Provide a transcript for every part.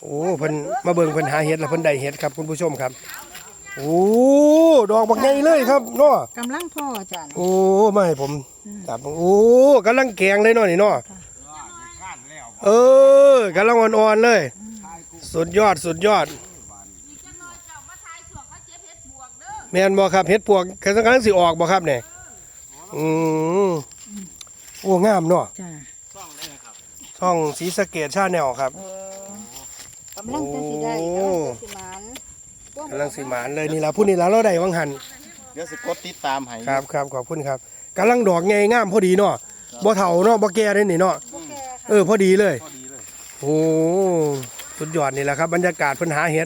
โอ้เพิ่นมาเบิ่งเพิ่นหาเห็ดแล้วเพิ่นได้เห็ดครับคุณผู้ชมครับโอ้ดอกบักใหญ่เลยครับเนาะกำลังพ่อจ้ะโอ้มาให้ผมจับโอ้กำลังแกงเลยเนาะนี่เนาะเออกำลังอ่อนๆเลยสุดยอดแม่นบ่ครับเห็ดปวกกำลังสิออกบ่ครับเนี่ยโอ้งามเนาะจ้ะช่องศรีสะเกษชาแนลครับกำลังจะสิได้กำลังสิหมานเลยนี่ล่ะผู้นี้ล่ะเราได้วังหันเดี๋ยวสิกดติดตามให้ครับขอบคุณครับกำลังดอกใหญ่งามพอดีเนาะบ่เฒ่าเนาะบ่แก่เลยนี่เนาะพอดีเลยโอ้สุดยอดนี่แหละครับบรรยากาศเพิ่นหาเห็ด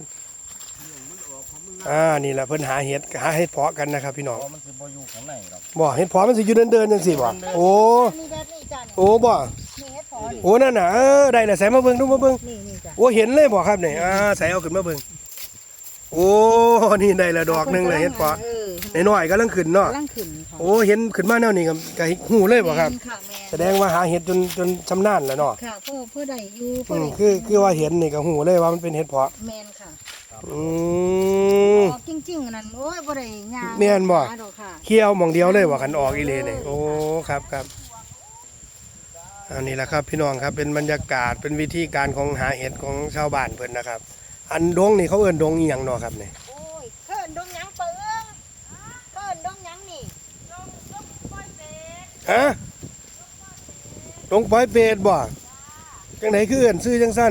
นี่แหละเพิ่นหาเห็ดเพาะกันนะครับพี่น้องมันสิบ่อยู่ข้างในหรอกบ่เห็ดเพาะมันสิอยู่เดินจังซี่บ่โอ้บ่โอ้นั่นน่ะได้แล้วใส่มาเบิ่งดูมาเบิ่งโอ้เห็นเลยบ่ครับนี่ใส่เอาขึ้นมาเบิ่งโอ้นี่ได้ละดอกนึงเลยเห็ดเพาะน้อยๆกำลังขึ้นเนาะโอ้เห็นขึ้นมาแนวนี้ก็หูเลยบ่ครับแสดงว่าหาเห็ดจนชำนาญแล้วเนาะค่ะเพื่อได้อยู่คือว่าเห็นนี่ก็หูเลยว่ามันเป็นเห็ดเพาะแม่นค่ะจริงๆนั่นโอ้ยบ่ได้ยางแม่นบ่เคี่ยวหม่องเดียวเลยว่าคันออกอีเลนี่โอ้ครับอันนี้แหละครับพี่น้องครับเป็นบรรยากาศเป็นวิธีการของหาเห็ดของชาวบ้านเพิ่นนะครับอันดงนี่เขาเอิ้นดงอีหยังเนาะครับนี่โอ้ยเพิ่นดงหยังเปิ้งเพิ่นดงหยังนี่ดงปอยเป็ดฮะดงปอยเป็ดบ่จังไหนคือเอิ้นชื่อจังซั่น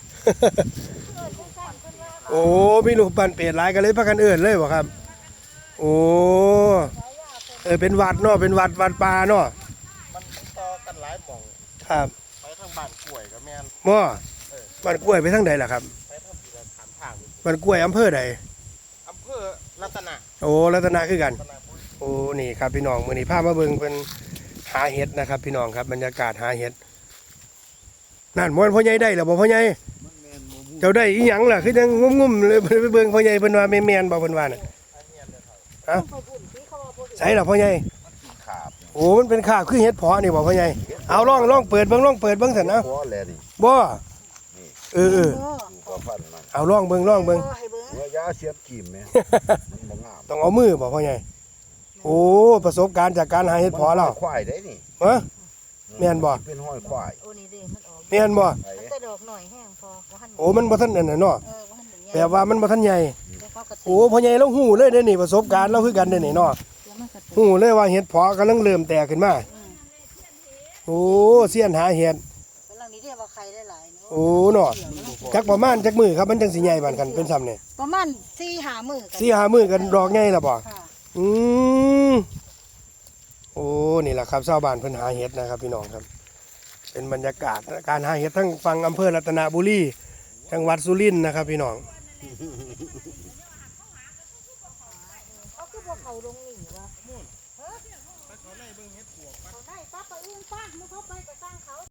โอ้มีลูกปั่นเป็ดหลายกันเลยพากันเอิ้นเลยบ่ครับโอ้เป็นวัดเนาะเป็นวัดป่าเนาะมันต่อกันหลายหม่องครับไปทางบ้านกล้วยก็แม่นบ่บ้านกล้วยไปทางใดล่ะครับไปทางที่เราถามทางบ้านกล้วยอำเภอใดอำเภอรัตนะโอ้รัตนะคือกันโอ้นี่ครับพี่น้องมื้อนี้พามาเบิ่งเพิ่นหาเห็ดนะครับพี่น้องครับบรรยากาศหาเห็ดนั่นม่วนพ่อใหญ่ได้แล้วบ่พ่อใหญ่เจ้าได้อีหยังล่ะคือจังงุ่มๆเลยไปเบิ่งพ่อใหญ่เพิ่นว่าแม่นบ่เพิ่นว่าน่ะฮะใส่ล่ะพ่อใหญ่โอ้มันเป็นขาบคือเห็ดเพาะนี่บ่พ่อใหญ่เอาลองเปิดเบิ่งซั่นนะบ่เอาลองเบิ่งเนื้อยาเสียบกิ่มแม่มันบ่งามต้องเอามือบ่พ่อใหญ่โอ้ประสบการณ์จากการหาเห็ดเพาะแล้วควายได้นี่ฮะแม่นบ่เป็นห้อยควายโอ้นี่เด้มันออกแม่นบ่แต่ดอกหน่อยแห้งพอโอ้มันบ่ทันนั่นน่ะเนาะแปลว่ามันบ่ทันใหญ่โอ้พ่อใหญ่เราฮู้เลยเด้นี่ประสบการณ์เราคือกันเด้นี่เนาะฮู้เลยว่าเห็ดเพาะกำลังเริ่มแตกขึ้นมาโอ้เสี้ยนหาเห็ดกำลังนี้เรียกว่าไข่ได้หลายโอ้เนาะจักประมาณจักมื้อครับมันจังสิใหญ่บานกันเป็นซ้ำนี่ประมาณ4-5 มื้อกัน 4-5 มื้อกันดอกใหญ่ล่ะบ่โอ้นี่แหละครับชาวบ้านเพิ่นหาเห็ดนะครับพี่น้องครับเป็นบรรยากาศการหาเห็ดทั้งฝั่งอำเภอรัตนบุรีจังหวัดสุรินทร์นะครับพี่น้องเขาคือพวกเขาลงนี่วะเขาได้ป้าไปอื่นป้าเขาไปกับสร้างเขา